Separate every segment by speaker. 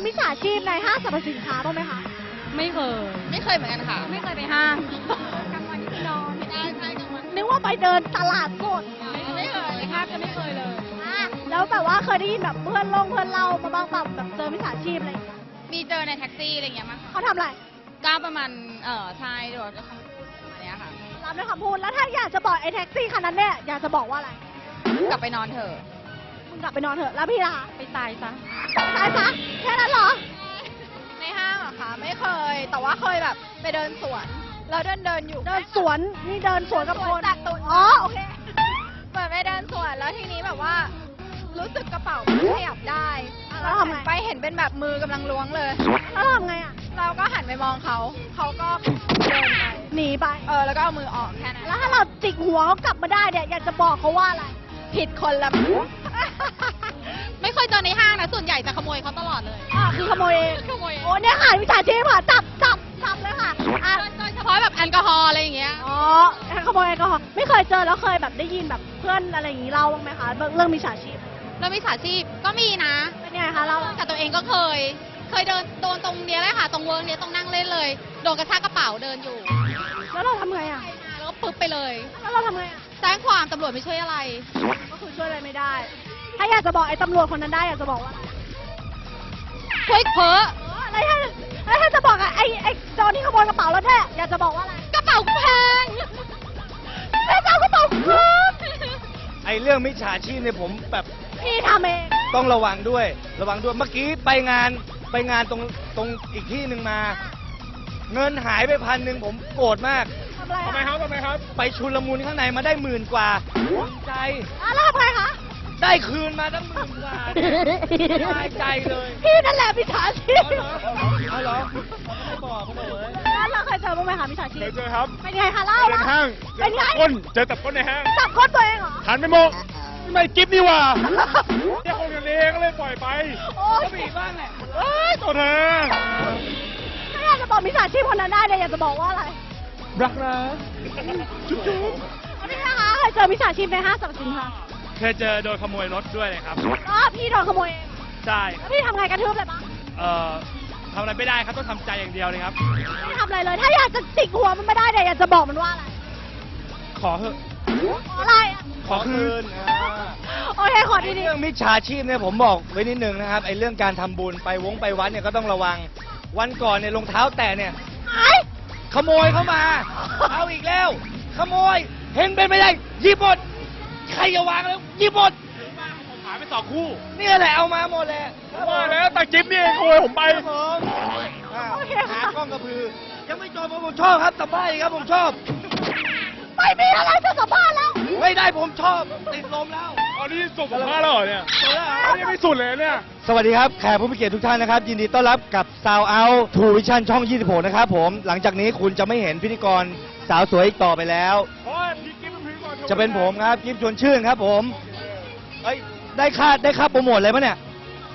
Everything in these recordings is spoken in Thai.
Speaker 1: มิจฉาชีพในห้างสรรพสินค้าบ้างไหมคะ
Speaker 2: ไม่เคย
Speaker 3: ไม่เคยเหมือนกันค่ะ
Speaker 2: ไม่เคยไปห้าง
Speaker 1: กลางวันที่นอน
Speaker 3: ใช่กลางวัน
Speaker 1: นึกว่าไปเดินตลาดสด
Speaker 3: ไม่เคย
Speaker 2: แทบจะไม่เคยเลย
Speaker 1: แล้วแบบว่าเคยได้ยินแบบเพื่อนเล่ามาบ้างแบบเจอมิจฉาชีพอะไรอย่างเงี้ย
Speaker 3: มีเจอในแท็กซี่อะไรเงี้ยมั้งค่ะ
Speaker 1: เขาทำอะไร
Speaker 3: ก็ประมาณใช่โดยคำพูดประมาณเนี้ยค่ะ
Speaker 1: รับด้วยคำพูดแล้วถ้าอยากจะบอกไอ้แท็กซี่คันนั้นเนี่ยอยากจะบอกว่าอะไร
Speaker 3: กลับไปนอนเถอะ
Speaker 1: มึงกลับไปนอนเถอะแล้วพี่ล่ะ
Speaker 2: ไปตายซะ
Speaker 1: ตายซะแค่นั้นเหรอ
Speaker 3: ในห้างเหรอคะไม่เคย แต่ว่าเคยแบบไปเดินสวนแล้วเดินอยู่
Speaker 1: เดินสวนนี่เดินสวนกับคน
Speaker 3: จากตัว
Speaker 1: อ๋อโอเค
Speaker 3: เหมือนไปเดินสวนแล้วทีนี้แบบว่า รู้สึกกระเป๋าขยับได้
Speaker 1: แล้วทำไง
Speaker 3: ไปเห็นเป็นแบบมือกำลังล้วงเลย
Speaker 1: แล้วทำไงอ่ะ
Speaker 3: เราก็หันไปมองเขาเขาก็เดินไป
Speaker 1: หนีไป
Speaker 3: แล้วก็เอามือออกแค่นั้น
Speaker 1: แล้วถ้าเราจิกหัวเขากลับมาได้เนี่ยอยากจะบอกเขาว่าอะไร
Speaker 3: ผิดคนละ ไม่เคยเจอในห้างนะส่วนใหญ่จะขโมยเขาตลอดเลย
Speaker 1: คือขโมยเอง
Speaker 3: ขโมย
Speaker 1: โอ้เนี่ยค่ะมิจฉาชีพค่ะจับเลยค่ะอ่ะ
Speaker 3: โดยเฉพาะแบบแอลกอฮอล์อะไรอย่างเงี้ย
Speaker 1: อ๋อขโมยแอลกอฮอล์ไม่เคยเจอแล้วเคยแบบได้ยินแบบเพื่อนอะไรอย่างนี้เล่าบ้างไหมคะเรื่องมิจฉาชีพ
Speaker 3: แล้วมิจฉาชีพก็มีนะ
Speaker 1: เป็นยังไงคะเล่า
Speaker 3: แต่ตัวเองก็เคยโดนตรงเนี้ยเลยค่ะ ตรงเวิร์กเนี้ยตรงนั่งเล่นเลย โดนกระชากกระเป๋าเดินอยู่
Speaker 1: แล้วเราทำไงอ่ะ
Speaker 3: แล้วก็ปึ๊บไปเลย
Speaker 1: แล้วเราทำไงอ่ะ
Speaker 3: แจ้งความตำรวจไม่ช่วยอะไร
Speaker 1: ก็คือช่วยอะไรไม่ได้ ถ้าอยากจะบอกไอ้ตำรวจคนนั้นได้อยากจะบอกว่าอะไร
Speaker 3: ช่วยเพ้อ
Speaker 1: แล้วถ้าจะบอกอะไอ้โจรที่ขโมยกระเป๋าแล้วแท้อยากจะบอกว่าอะไร
Speaker 3: กระเป๋าแพง
Speaker 1: แม่เจ้ากระเป๋าคืน
Speaker 4: ไอ้เรื่องมิจฉาชีพเนี่ยผมแบบ
Speaker 1: พี่ทำเอง
Speaker 4: ต้องระวังด้วยเมื่อกี้ไปงานตรงอีกที่หนึ่งมา เงินหายไป1,000ผมโกรธมาก
Speaker 1: ทำอะไร
Speaker 4: ทำไมครับไปชุลมุนข้างในมาได้10,000 กว่าภูมิใจ
Speaker 1: แล้วทำไงคะ
Speaker 4: ได้คืนมาตั้ง10,000 กว่าสบายใจเลย
Speaker 1: พี่นั่นแหละมิจฉาชีพ
Speaker 4: เอาเหรอไม่บอกเขาบอกเลย
Speaker 1: แล้วเราเคยเจอบ้างไหมคะมิจฉาชีพ
Speaker 5: เคยเจอครับ
Speaker 1: เป็นไงคะเล่า
Speaker 5: เดินห้าง
Speaker 1: เป็นไง
Speaker 5: เจอจับก้นในห้าง
Speaker 1: จับก้นตัวเองเหรอ
Speaker 5: หันไปมองไม่กิฟนี่หว่าเนี่ยคงกันเองก็เลยปล่อยไป
Speaker 1: โอ้ย
Speaker 4: ก็มีบ้างแหละ
Speaker 5: เอ้ยตัวเธอ
Speaker 1: ถ้าอยากจะบอกมิจฉาชีพคนนั้นได้เนี่ยอยากจะบอกว่าอะไร
Speaker 5: รักนะจุ๊บ
Speaker 1: แล้วพี่นะคะเคยเจอมิจฉาชีพในห้างสรรพสินค้า
Speaker 5: เคยเจอโดนขโมยรถด้วยเลยครับ
Speaker 1: ก็พี่โดนขโมยเอง
Speaker 5: ใช่
Speaker 1: แล้วพี่ทำไงกระทืบเลยปะ
Speaker 5: ทำอะไรไม่ได้ครับต้องทำใจอย่างเดียวเลยครับ
Speaker 1: ไม่ทำอะไรเลย ถ้าอยากจะจิกหัวมันไม่ได้เนี่ยอยากจะบอกมันว่าอะไร
Speaker 5: ขอเถอะ
Speaker 1: ขออะไรอะ
Speaker 5: ขอคืน
Speaker 1: โอเคขอ
Speaker 4: ไอ้
Speaker 1: ดี
Speaker 4: เรื่องมิจฉาชีพเนี่ยผมบอกไว้นิดนึงนะครับไอ้เรื่องการทำบุญไปวัดเนี่ยก็ต้องระวัง วันก่อนเนี่ยรองเท้าแตะเนี่ย
Speaker 1: ๆไอ้
Speaker 4: ขโมยเข้ามา เอาอีกแล้ว ขโมย เห็นเป็นไม่ได้หยิบหมด ใครจะวางแล้วหยิบหมด
Speaker 5: ผมหายไป2 คู่
Speaker 4: เนี่ยแหละเอามาหมดแหละ
Speaker 5: ว่าแล้วตาจิ๊บนี่เองขโมยผมไป
Speaker 4: ครับผมหากล้องกระพือ ยังไม่จบผมชอบครับสบายครับผมชอบ
Speaker 1: ไม่มีอะไรจะสัมภาษณ์แล้ว
Speaker 4: ไม่ได้ผมชอบติดลมแล้ว
Speaker 5: อันนี้จบสัมภาษณ์แล้วเหรอเนี่ยอันนี้ไม่สุดเลยเนี่ย
Speaker 4: สวัสดีครับแขกผู้มีเกียรติทุกท่านนะครับ ยินดีต้อนรับกับ Sound Out True Vision ช่อง 26 นะครับผม หลังจากนี้คุณจะไม่เห็นพิธีกรสาวสวยอีกต่อไปแล้ว
Speaker 5: เพราะว่าพี่กิ๊บเป็นพิธีกรโชว์
Speaker 4: จะเป็นผมครับกิฟชวนชื่นครับผมเอ้ยได้ค่าโปรโมทเลยปะเนี่ย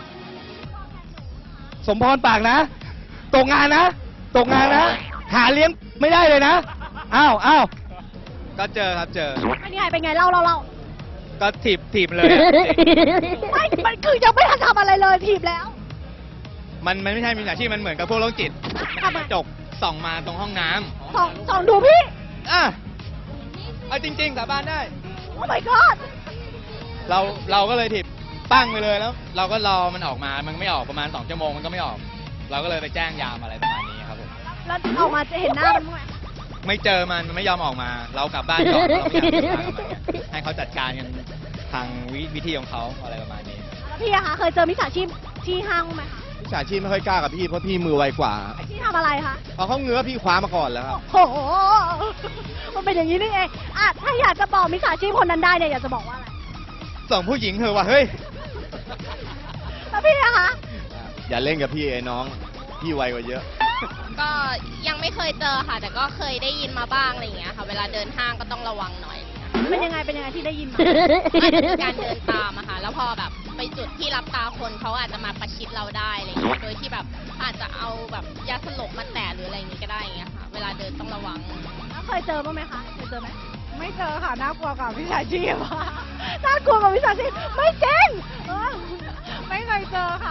Speaker 4: สมพรปากนะ ตกงานนะ หาเลี้ยงไม่ได้เลยนะ อ้าวก็เจอครับเจอ
Speaker 1: เป็นไงเล่า
Speaker 4: ก็ถีบเลยอะ
Speaker 1: ไม่มันคือยังไม่ทันทำอะไรเลยถีบแล้ว
Speaker 4: มันไม่ใช่มีอาชีพมันเหมือนกับพวกโรคจิต
Speaker 1: ทำไม
Speaker 4: จกส่องมาตรงห้องน้
Speaker 1: สองดูพี่
Speaker 4: ำอ่ะเอาจริงๆสาบานได้
Speaker 1: โอ้ my god
Speaker 4: เราก็เลยถีบปั้งไปเลยแล้ว เราก็รอมันออกมามันไม่ออกประมาณ2 ชั่วโมงมันก็ไม่ออก เราก็เลยไปแจ้งยามอะไรประมาณนี้ครับผม
Speaker 1: แล้วออกมาจะเห็นหน้ามันบ้างไหม
Speaker 4: ไม่เจอมันไม่ยอมออกมา เรากลับบ้านก่อนเราไม่อยากยุ่งกับมันให้เขาจัดการกันทางวิธีของเขาอะไรประมาณนี้
Speaker 1: แล้วพี่อะคะเคยเจอมิจฉาชีพที่ห้างบ้างไหมคะ
Speaker 4: มิจฉาชีพไม่ค่อยกล้ากับพี่เพราะพี่มือไวกว่า
Speaker 1: พี่ทำอะไรคะ
Speaker 4: พอเขาเงื้อพี่คว้ามาก่อนแล้วครับ
Speaker 1: โอ้โหมันเป็นอย่างนี้นี่เองอ่ะถ้าอยากจะบอกมิจฉาชีพคนนั้นได้เนี่ยอยากจะบอกว่าอะไร
Speaker 4: ส่งผู้หญิงเถอะว่ะเฮ้ย
Speaker 1: แล้วพี่อะคะ
Speaker 4: อย่าเล่นกับพี่ไอ้น้อง พี่ไวกว่าเยอะ
Speaker 3: ก็ยังไม่เคยเจอค่ะ แต่ก็เคยได้ยินมาบ้างอะไรอย่างเงี้ยค่ะ เวลาเดินห้างก็ต้องระวังหน่อย
Speaker 1: เป็นยังไงที่ได้ยินมา
Speaker 3: อาจจะเป็นการเดินตามอะค่ะ แล้วพอแบบไปจุดที่รับตาคนเขาอาจจะมาประชิดเราได้อะไรอย่างเงี้ย โดยที่แบบอาจจะเอาแบบยาสลบมาแตะหรืออะไรอย่างงี้ก็ได้อย่างเงี้ยค่ะ เวลาเดินต้องระวัง
Speaker 1: แล้วเคยเจอบ้างไหมคะเคยเจอไหม
Speaker 2: ไม่เจอค่ะ น่ากลัวกับมิจฉาชีพ
Speaker 1: น่ากลัวกับมิจฉาชีพไม่จริงเออ
Speaker 2: ไม่เคยเจอค่ะแสดงว่ายัง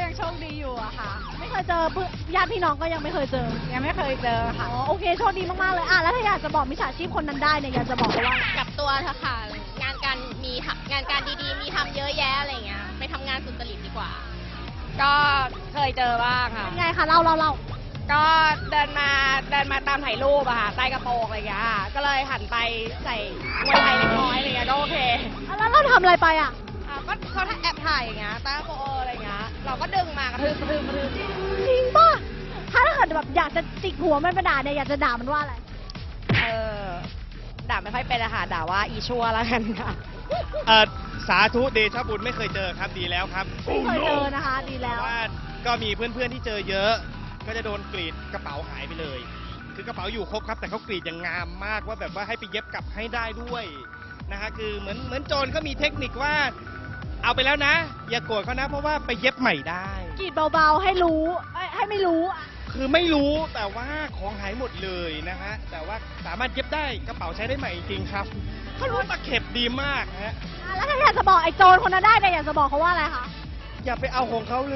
Speaker 2: ยังโชคดีอยู่อะค่ะ
Speaker 1: ไม่เคยเจอญาติพี่น้องก็ยังไม่เคยเจอ
Speaker 2: ยังไม่เคยเจอ
Speaker 1: อ๋
Speaker 2: ค่ะ
Speaker 1: อโอเคโชคดีมากๆเลยอ่ะแล้วถ้าอยากจะบอกมิจฉาชีพคนนั้นได้เนี่ยอยากจะบอกเขาว่าอะไร
Speaker 3: กลับตัวเถอะค่ะ งานการดีๆ มีทำเยอะแยะอะไรเงี้ย ไปทำงานสุจริตดีกว่า
Speaker 2: ก็เคยเจอบ้างค่ะ
Speaker 1: เป็นไงคะเล่า
Speaker 2: ก็เดินมาตามถ่ายรูปอะค่ะใต้กระโปรงอะไรอย่างเงี้ยค่ะก็เลยหันไปใส่มวยไทยเล็กน้อยอะไรเงี้ยก็โอเค
Speaker 1: แล้วเราทำอะไรไปอ่ะ
Speaker 2: ก็เขาแอบถ่ายอย่างเงี้ยใต้กระโปรงอะไรเงี้ยเราก็ดึงมากระทืบ
Speaker 1: จริงป่ะถ้าเกิดแบบอยากจะจิกหัวมันไปด่าเนี่ยอยากจะด่ามันว่าอะไร
Speaker 2: เออด่าไม่ค่อยเป็นอะค่ะด่าว่าอีชั่วแล้วกันค่ะ
Speaker 5: สาธุเดชะบุญไม่เคยเจอครับดีแล้วครับ
Speaker 1: ไม่เคยเจอนะคะดีแล้ว
Speaker 5: ว่าก็มีเพื่อนๆที่เจอเยอะ ก็จะโดนกรีดกระเป๋าหายไปเลย คือกระเป๋าอยู่ครบครับ แต่เขากรีดอย่างงามมากว่าแบบว่าให้ไปเย็บกลับให้ได้ด้วยนะฮะคือเหมือนโจรเขามีเทคนิคว่า เอาไปแล้วนะ อย่าโกรธเขานะ เพราะว่าไปเย็บใหม่ได้
Speaker 1: กรีดเบาๆให้รู้ให้ไม่รู้อ่ะ
Speaker 5: คือไม่รู้แต่ว่าของหายหมดเลยนะฮะแต่ว่าสามารถเย็บได้กระเป๋าใช้ได้ใหม่จริงๆครับเขารู้ตะเข็บดีมากฮะ
Speaker 1: แล้วถ้าอยากจะบอกไอ้โจรคนนั้นได้เนี่ยอยากจะบอกเขาว่าอะไรคะ
Speaker 5: อย่าไปเอาของเขาเลย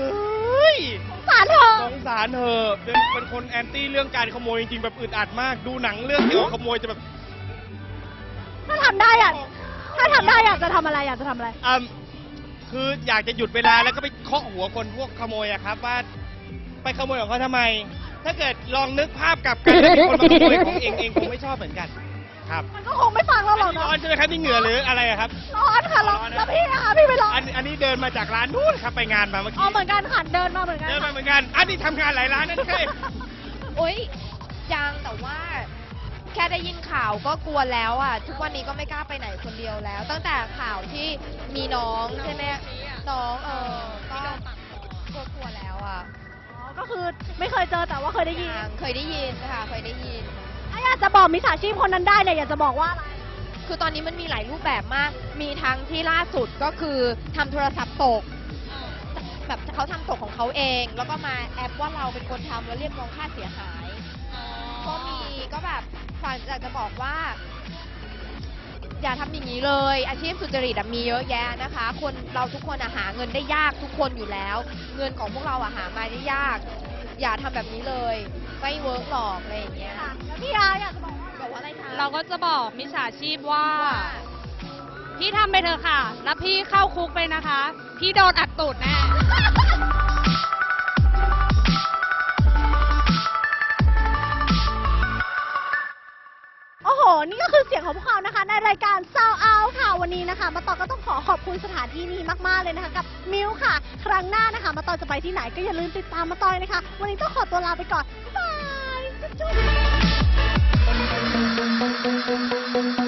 Speaker 1: สงสารเธอ
Speaker 5: สงสารเธอะเป็นคนแอนตี้เรื่องการขโมยจริงๆแบบอึดอัดมาก ดูหนังเรื่องเกี่ยวกับขโมยจะแบบ
Speaker 1: ถ้าทำได้อ่ะถ้าทำได้อยากจะทำอะไรอยากจะทำอะไร
Speaker 5: คืออยากจะหยุดเวลาแล้วก็ไปเคาะหัวคนพวกขโมยอะครับว่าไปขโมยของเขาทำไม ถ้าเกิดลองนึกภาพกลับกันแล้วมีคนมาขโมยของเองคงไม่ชอบเหมือนกันครับ
Speaker 1: มันก็คงไม่ฟังเราหรอก
Speaker 5: ร้
Speaker 1: เนาะ
Speaker 5: อนใช่ไหมครับนี่เหงื่อหรืออะไรอะครับ
Speaker 1: ร้อนค่ะร้อนแล้วพี่นะคะพี่ไม่ร้อน
Speaker 5: อันนี้เดินมาจากร้านนู้นครับไปงานมาเมื่อ
Speaker 1: อ๋อ
Speaker 5: กี้
Speaker 1: เหมือนกันค่ะเดินมาเหมือนกัน
Speaker 5: เดินมา
Speaker 1: ค่ะ
Speaker 5: เหมือนกัน อันนี้ทำงานหลายร้านนั่นใช่
Speaker 6: โอ๊ยยังแต่ว่าแค่ได้ยินข่าวก็กลัวแล้วอ่ะ ทุกวันนี้ก็ไม่กล้าไปไหนคนเดียวแล้ว ตั้งแต่ข่าวที่มีน้องใช่ไหมน้องก็กลัวแล้วอ่ะ
Speaker 1: อ๋อก็คือไม่เคยเจอแต่ว่าเคยได้ยิน
Speaker 6: ยังเคยได้ยินค่ะเคยได้ยิน
Speaker 1: ถ้าอยากจะบอกมิจฉาชีพคนนั้นได้เนี่ยอยากจะบอกว่าอะไร
Speaker 6: คือตอนนี้มันมีหลายรูปแบบมาก มีทั้งที่ล่าสุดก็คือทำโทรศัพท์ตก แบบเขาทำตกของเขาเอง แล้วก็มาแอปว่าเราเป็นคนทำแล้วเรียกร้องค่าเสียหาย ก็มีก็แบบฝากอยากจะบอกว่า อย่าทำอย่างนี้เลย อาชีพสุจริตอะมีเยอะแยะนะคะ คนเราทุกคนอะหาเงินได้ยากทุกคนอยู่แล้ว เงินของพวกเราอะหามาได้ยาก อย่าทำแบบนี้เลย ไม่เวิร์กหรอกอะไรอย่างเงี้ย
Speaker 1: ค่ะแล้วพี่อาอยากจะบอกว่า
Speaker 6: บอกว่าอะไรคะ
Speaker 2: เราก็จะบอกมิจฉาชีพว่า พี่ทำไปเถอะค่ะ แล้วพี่เข้าคุกไปนะคะ พี่โดนอัดตูดแน่
Speaker 1: โอ้โห นี่ก็คือเสียงของพวกเขานะคะ ในรายการ Sound Out ค่ะ วันนี้นะคะ มาต่อก็ต้องขอบคุณสถานที่นี้มาก ๆ เลยนะคะ กับมิวค่ะ ครั้งหน้านะคะ มาต่อจะไปที่ไหนก็อย่าลืมติดตามมาต่อยนะคะ วันนี้ต้องขอตัวลาไปก่อน บ๊ายบาย จุ๊บ